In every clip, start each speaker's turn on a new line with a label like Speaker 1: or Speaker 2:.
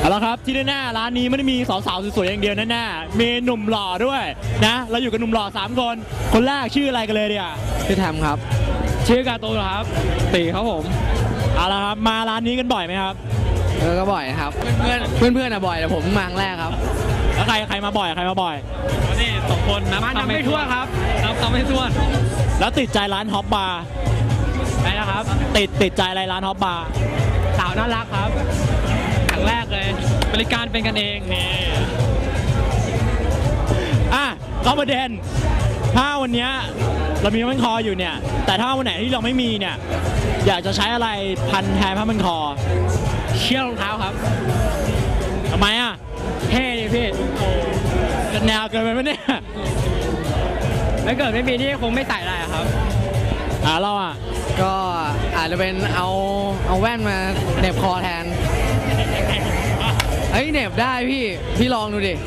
Speaker 1: เอาละครับที่แน่ๆร้านนี้ไม่ได้มีสาวๆสวยๆอย่างเดียวแน่ๆมีหนุ่มหล่อด้วยนะเราอยู่กับหนุ่มหล่อ3 คนคนแรกชื่ออะไรกันเลยเนี่ย
Speaker 2: ชื่อแทมครับ
Speaker 1: ชื่อกาโตครับตีครับผมเอาละครับมาร้านนี้กันบ่อยไหมครับ
Speaker 2: ก็บ่อยครับเพื่อนอะบ่อยแต่ผมมาครั้งแรกครับ
Speaker 1: แล้วใครมาบ่อยใครมาบ่อย
Speaker 3: นี่2 คนนับคำไม่ถ้วนครับนับคำไม่ถ้วน
Speaker 1: แล้วติดใจร้านฮอปบาร์
Speaker 3: ไปนะครับ
Speaker 1: ติดใจอะไรร้านฮอปบาร์
Speaker 3: สาวน่ารักครับครั้งแรกเลยบริการเป็นกันเองนี่
Speaker 1: อ่ะก็ประเด็นถ้าวันนี้เรามีผ้าพันคออยู่เนี่ยแต่ถ้าวันไหนที่เราไม่มีเนี่ยอยากจะใช้อะไรพันแทนผ้าพันคอ
Speaker 3: เชือกรองเท้าครับ
Speaker 1: ทำไมอ่ะ
Speaker 3: เท่ดิพี่โอ้
Speaker 1: แนวเกินไปไหมเนี่ย
Speaker 3: ถ้าเกิดไม่มีนี่คงไม่ใส่อะไรอะครับ
Speaker 1: เราอ่ะ
Speaker 2: ก็อาจจะเป็นเอาแว่นมาเหน็บคอแทนเฮ้ยเหน็บได้พี่ลองดูดิ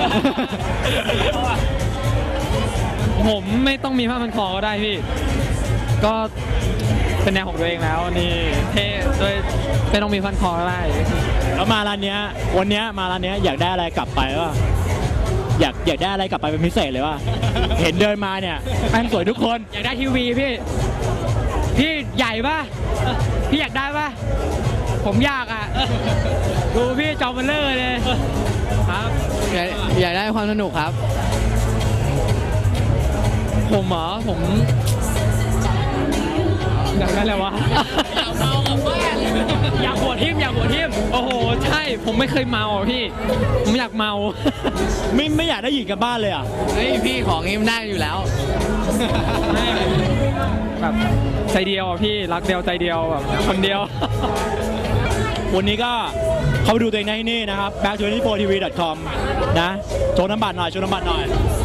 Speaker 3: ผมไม่ต้องมีผ้าพันคอก็ได้พี่ก็เป็นแนวของตัวเองแล้วนี่เท่ด้วยไม่ต้องมีพันคอก็ได้
Speaker 1: แล้วมาร้านเนี้ยวันเนี้ยมาร้านเนี้ยอยากได้อะไรกลับไปวะอยากได้อะไรกลับไปเป็นพิเศษเลยวะ เห็นเดินมาเนี่ยแม่งสวยทุกคน
Speaker 3: อยากได้ทีวีพี่ใหญ่ป่ะพี่อยากได้ป่ะผมอยากอ่ะดูพี่จอมันเลอร์เลยครับ
Speaker 2: อยากได้ความสนุกครับ
Speaker 3: ผมเหรอผมอยากได้อะไรวะอยากหัวทิ่มโอ้โหใช่ผมไม่เคยเมาอ่ะพี่ผมอยากเมา
Speaker 1: ไม่อยากได้หญิงกลับบ้านเลยอ่ะ
Speaker 2: เฮ้ยพี่ของนี้มันได้อยู่แล้ว
Speaker 3: แบบใจเดียวอ่ะพี่รักเดียวใจเดียวแบบคนเดียว
Speaker 1: วันนี้ก็เข้าไปดูตัวเองได้ที่นี่นะครับ back24tv.com นะโชว์น้ำบัตรหน่อย